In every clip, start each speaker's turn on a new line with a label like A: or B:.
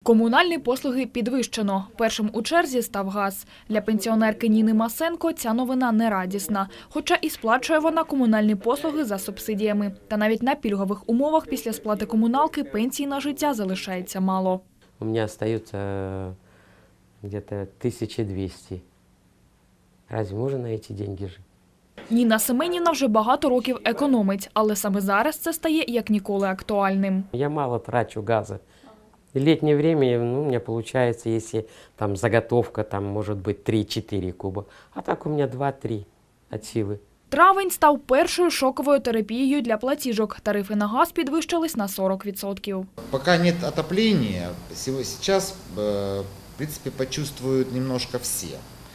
A: Комунальні послуги підвищено. Першим у черзі став газ. Для пенсіонерки Ніни Масенко ця новина не радісна. Хоча і сплачує вона комунальні послуги за субсидіями. Та навіть на пільгових умовах після сплати комуналки пенсії на життя залишається мало.
B: У меня остается где-то 1200. Разве можно на эти деньги жить?
A: Ніна Семенівна вже багато років економить, але саме зараз це стає як ніколи актуальним.
B: Я мало трачу газа. В летнее время у меня получается, если там заготовка, там может быть 3-4 куба, а так у меня 2-3 от силы.
A: Травень став першою шоковою терапією для платіжок. Тарифи на газ підвищились на 40%.
C: Пока нет отопления, сейчас, в принципе, почувствуют немножко все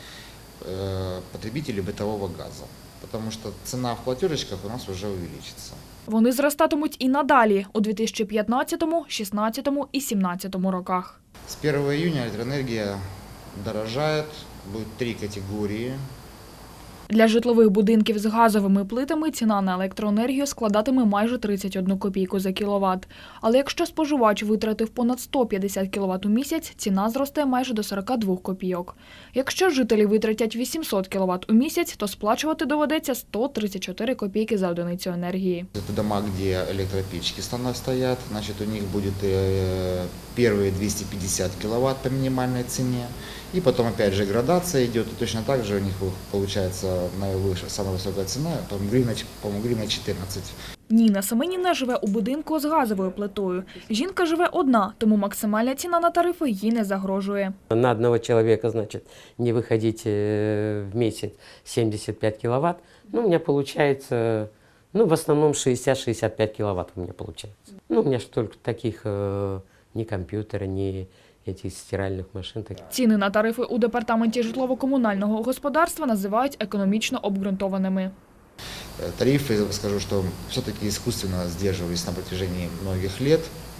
C: потребители бытового газа, потому что цена в платежечках у нас уже увеличится.
A: Вони зростатимуть і надалі у 2015, 2016 і 2017 роках.
C: С 1 июня электроэнергия дорожает, будет 3 категории.
A: Для житлових будинків з газовими плитами ціна на електроенергію складатиме майже 31 копійку за кіловат. Але якщо споживач витратив понад 150 кіловат у місяць, ціна зросте майже до 42 копійок. Якщо жителі витратять 800 кіловат у місяць, то сплачувати доведеться 134 копійки за одиницю енергії.
C: Это дома, где электропечки стоят, значит, у них будет первые 250 киловатт по минимальной цене. И потом опять же градация идет, и точно так же у них получается самая высокая цена, по-моему, гривна 14.
A: Ніна Семенівна живе у будинку з газовою плитою. Жінка живе одна, тому максимальна ціна на тарифи їй не загрожує.
B: На одного человека, значит, не выходить в месяц 75 киловатт, у меня получается, в основном 60-65 киловатт у меня получается. У меня же только таких ни компьютера, ни этих стиральных машин.
A: Ціни на тарифи у департаменті житлово-комунального господарства називають економічно обґрунтованими.
C: Тарифы, скажу, что все-таки искусственно сдерживались на протяжении многих лет.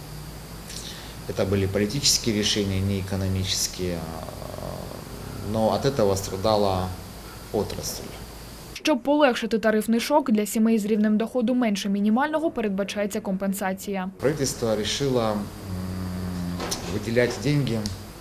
C: Это были политические решения, не экономические, но от этого страдала отрасль.
A: Щоб полегшити тарифний шок, для сімей з рівнем доходу менше мінімального передбачається компенсація.
C: Правительство решило выделять деньги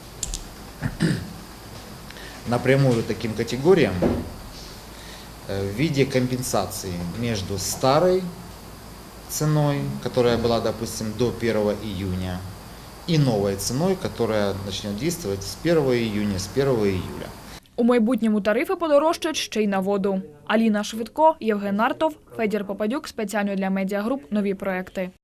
C: напрямую таким категориям в виде компенсации между старой ценой, которая была, допустим, до 1 июня, и новой ценой, которая начнет действовать с 1 июня, с 1 июля.
A: У майбутньому тарифи подорожчать ще й на воду. Аліна Швидко, Євген Нартов, Федір Попадюк. Спеціально для Медіагруп. Нові проекти.